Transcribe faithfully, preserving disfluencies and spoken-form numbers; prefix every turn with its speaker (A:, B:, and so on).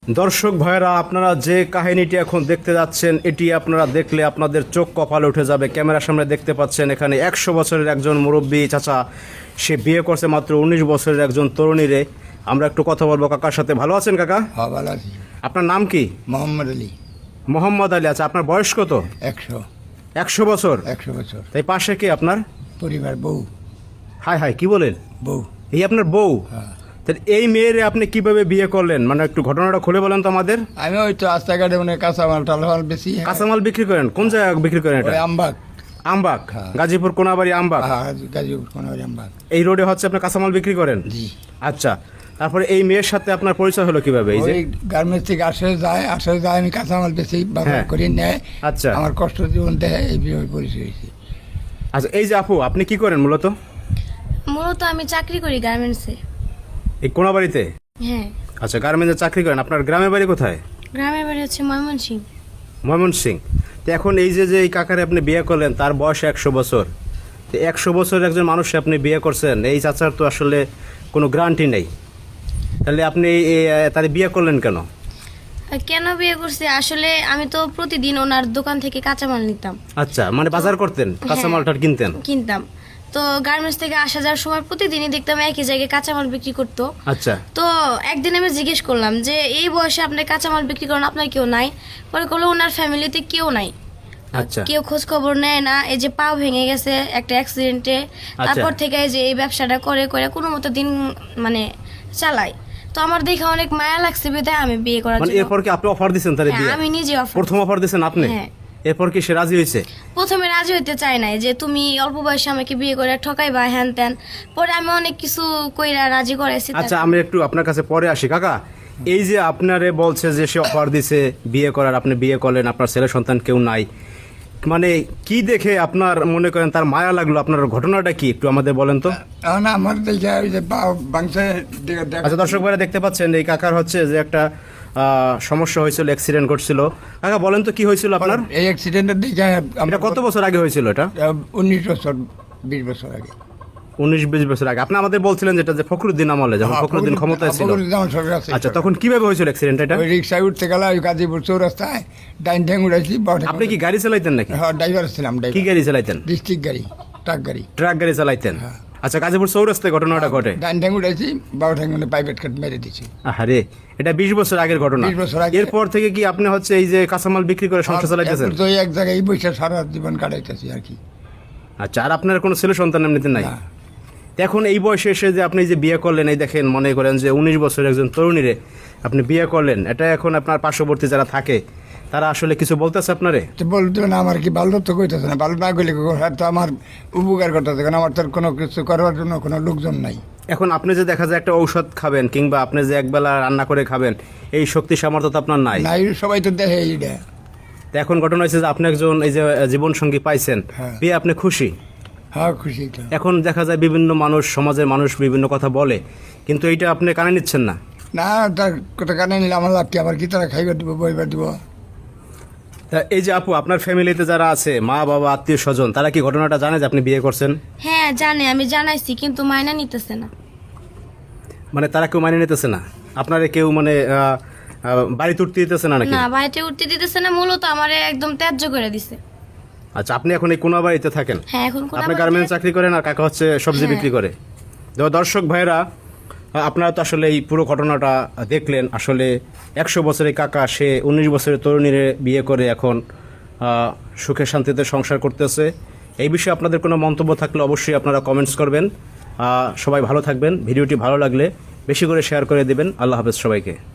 A: দর্শক ভাইরা, আপনারা যে কাহিনীটি এখন দেখতে যাচ্ছেন এটি আপনারা দেখলে আপনাদের চোখ কপালে উঠে যাবে। ক্যামেরার সামনে দেখতে পাচ্ছেন এখানে একশো বছরের একজন মুরব্বী চাচা, সে বিয়ে করছে মাত্র উনিশ বছরের একজন তরুণীরে। আমরা একটু কথা বলবো কাকার সাথে। ভালো আছেন কাকা?
B: হ্যাঁ, ভালো আছি।
A: আপনার নাম কি?
B: মোহাম্মদ আলী।
A: মোহাম্মদ আলী। আচ্ছা, আপনার বয়স কত?
B: একশো।
A: একশো বছর?
B: একশো বছর।
A: তাই পাশে কি আপনার
B: পরিবার? বউ।
A: হাই হাই, কি বলেন?
B: বউ।
A: এই আপনার বউ?
B: হ্যাঁ।
A: তাহলে এই মেয়ের আপনি কিভাবে বিয়ে করলেন, মানে একটু ঘটনাটা খুলে বলেন তো আমাদের।
B: আমি ওই তো রাস্তাঘাটে মানে কাঁচামাল টালমাল বেশি।
A: কাঁচামাল বিক্রি করেন? কোন জায়গায় বিক্রি করেন এটা?
B: আমবাগ।
A: আমবাগ?
B: হ্যাঁ।
A: গাজীপুর কোনাবাড়ি আমবাগ?
B: হ্যাঁ, গাজীপুর কোনাবাড়ি আমবাগ।
A: এই রোডে হচ্ছে আপনি কাঁচামাল বিক্রি করেন?
B: জি।
A: আচ্ছা, তারপরে এই মেয়ের সাথে আপনার পরিচয় হলো কিভাবে? এই যে
B: গার্মেন্টস থেকে আসে যায় আসে যায় আমি কাঁচামাল বেশি বাজার করে নেয়।
A: আচ্ছা,
B: আমার কষ্ট জীবন দেয়, এই বিষয়ে পরিচয় হয়েছে।
A: আচ্ছা, এই যে আপু, আপনি কি করেন মূলত?
C: মূলত আমি চাকরি করি গার্মেন্টসে।
A: এই কোনাবাড়িতে?
C: হ্যাঁ।
A: আচ্ছা, গার্মেন্টসে চাকরি করেন। আপনার গ্রামের বাড়ি কোথায়?
C: গ্রামের বাড়ি হচ্ছে ময়মনসিংহ।
A: ময়মনসিংহ। তো এখন এই যে যে এই কাকারে আপনি বিয়ে করলেন, তার বয়স একশো বছর। তো একশো বছরের একজন মানুষকে আপনি বিয়ে করছেন, এই চাচার তো আসলে কোনো গ্যারান্টি নেই। তাহলে আপনি তার বিয়ে করলেন কেন?
C: কেন বিয়ে করছি, আসলে আমি তো প্রতিদিন ওনার দোকান থেকে কাঁচামাল নিতাম।
A: আচ্ছা, মানে বাজার করতেন, কাঁচামালটা কিনতেন?
C: কিনতাম। তো গার্মেন্টস থেকে আসা যাওয়ার সময় প্রতিদিনই দেখতাম একই জায়গায় কাঁচামাল বিক্রি করতো।
A: আচ্ছা।
C: তো একদিন আমি জিজ্ঞেস করলাম যে এই বয়সে আপনি কাঁচামাল বিক্রি করেন, আপনার কেউ নাই? পরে বললো ওনার ফ্যামিলিতে কেউ নাই।
A: আচ্ছা।
C: কেউ খোঁজ খবর নেয় না। এই যে পা ভেঙে গেছে একটা অ্যাক্সিডেন্টে, তারপর থেকে এই যে এই ব্যবসাটা করে করে কোনো মতো দিন মানে চালাই। তো আমার দেখে অনেক মায়া লাগছে, বিধায় আমি বিয়ে করার
A: মানে
C: জন্য।
A: এরপর কি আপনি অফার দিয়েছেন তাহলে বিয়ে?
C: হ্যাঁ, আমি নিজে অফার।
A: প্রথম অফার দিয়েছেন আপনি?
C: হ্যাঁ।
A: এরপর কি সে রাজি হয়েছে?
C: প্রথমে রাজি হইতে চাই নাই, যে তুমি অল্প বয়সে আমাকে বিয়ে করে ঠকাইবা হ্যান ত্যান। পরে আমি অনেক কিছু কইরা রাজি করাইছি।
A: আচ্ছা, আমি একটু আপনার কাছে পরে আসি কাকা। এই যে আপনারে বলছে যে সে অফার দিছে বিয়ে করার, আপনি বিয়ে করলেন, আপনার ছেলে সন্তান কেউ নাই, মানে কি দেখে আপনার মনে করেন তার মায়া লাগলো? আপনার ঘটনাটা কি একটু আমাদের বলেন তো।
B: এখন আমার দেখে ওই যে বাংশে।
A: আচ্ছা, দর্শক ভাইরা দেখতে পাচ্ছেন এই কাকার হচ্ছে যে একটা আহ, সমস্যা হয়েছিল, অ্যাক্সিডেন্ট করছিল। কাকা বলেন তো কি হয়েছিল আপনার?
B: এই অ্যাক্সিডেন্টের দিকে
A: এটা কত বছর আগে হয়েছিল? এটা
B: উনিশ বছর বিশ বছর আগে।
A: উনিশ বিশ বছর আগে। আপনি আমাদের বলছিলেন যেটা যে ফখরুদ্দিন আমলে, যখন ফখরুদ্দিন ক্ষমতায় ছিল। আচ্ছা, তখন কিভাবে হয়েছিল অ্যাক্সিডেন্ট এটা?
B: ওই রিক্সায় উঠতে গেলে ওই গাজীপুর চৌরাস্তায় ডাইন ঠ্যাং উড়াইছি।
A: আপনি কি গাড়ি চালাইতেন নাকি?
B: হ্যাঁ, ড্রাইভার ছিলাম।
A: কি গাড়ি চালাইতেন?
B: ডিস্ট্রিক্ট গাড়ি, ট্রাক গাড়ি।
A: ট্রাক গাড়ি চালাইতেন?
B: হ্যাঁ।
A: আচ্ছা, গাজীপুর চৌরাস্তায় ঘটনাটা ঘটে?
B: ডাইন ঠ্যাং উড়াইছি, বারো ঠ্যাং মানে প্রাইভেট কাট মেরে দিছি।
A: আরে, এটা বিশ বছর আগের ঘটনা।
B: বিশ বছর আগে।
A: এরপর থেকে কি আপনি হচ্ছে এই যে কাঁচামাল বিক্রি করে সংসার চালাইতেছেন?
B: তো এক জায়গায় এই বৈশা সারা জীবন কাটাইতেছি আর কি।
A: আচ্ছা, আর আপনার কোনো ছেলে সন্তান এমনিতে নাই?
B: না।
A: এখন এই বয়সে এসে যে আপনি যে বিয়ে করলেন, এই দেখেন মনে করেন যে উনিশ বছরের একজন তরুণীরে আপনি বিয়ে করলেন, এটা এখন আপনার পার্শ্ববর্তী যারা থাকে তারা আসলে কিছু বলতেছে আপনারে?
B: তো বলতো না, আমার কি ভালো তো কইতেছে না, ভালো না কইলে তো আমার উপকার করতেছে, কারণ আমার তো কোনো কিছু করার জন্য কোনো লোকজন নাই।
A: এখন আপনি যে দেখা যায় একটা ঔষধ খাবেন কিংবা আপনি যে একবেলা রান্না করে খাবেন, এই শক্তি সামর্থ্য তো আপনার নাই।
B: নাই, সবাই তো দেখে এইটা।
A: এখন ঘটনা হয়েছে যে আপনি একজন এই যে জীবন সঙ্গী পাইছেন,
B: হ্যাঁ।
A: বিয়ে আপনি খুশি?
B: হ্যাঁ, খুশি তো।
A: এখন দেখা যায় বিভিন্ন মানুষ, সমাজের মানুষ বিভিন্ন কথা বলে, কিন্তু এইটা আপনি কানে নিচ্ছেন না।
B: না, তার কথা কানে নিলে আমার লাভ কি? আবার কি তারা খাইবার দিব, বইবার দিব?
A: তা এই যে আপু, আপনার ফ্যামিলিতে যারা আছে, মা বাবা আত্মীয় স্বজন, তারা কি ঘটনাটা জানে যে আপনি বিয়ে করছেন?
C: হ্যাঁ জানে, আমি জানাইছি, কিন্তু মাইনা নিতেছে না।
A: মানে তারা কেউ মানে নিতেছে না আপনারে? কেউ মানে আহ, আহ, বাড়িতে উঠতে দিতেছে না নাকি?
C: না, বাড়িতে উঠতে দিতেছে না, মূলত আমারে একদম ত্যায্য করে দিছে।
A: আচ্ছা, আপনি এখন এই কোনা বাড়িতে থাকেন?
C: হ্যাঁ, এখন কোন
A: আপনি গার্মেন্টস চাকরি করেন আর কাকা হচ্ছে সবজি
C: হ্যাঁ।
A: বিক্রি করে। তো দর্শক ভাইরা, আপনারা তো আসলে এই পুরো ঘটনাটা দেখলেন। আসলে একশো বছরের কাকা, সে উনিশ বছরের তরুণীর বিয়ে করে এখন আহ, সুখে শান্তিতে সংসার করতেছে। এই বিষয়ে আপনাদের কোনো মন্তব্য থাকলে অবশ্যই আপনারা কমেন্টস করবেন। আহ, সবাই ভালো থাকবেন। ভিডিওটি ভালো লাগলে বেশি করে শেয়ার করে দেবেন। আল্লাহ হাফেজ সবাইকে।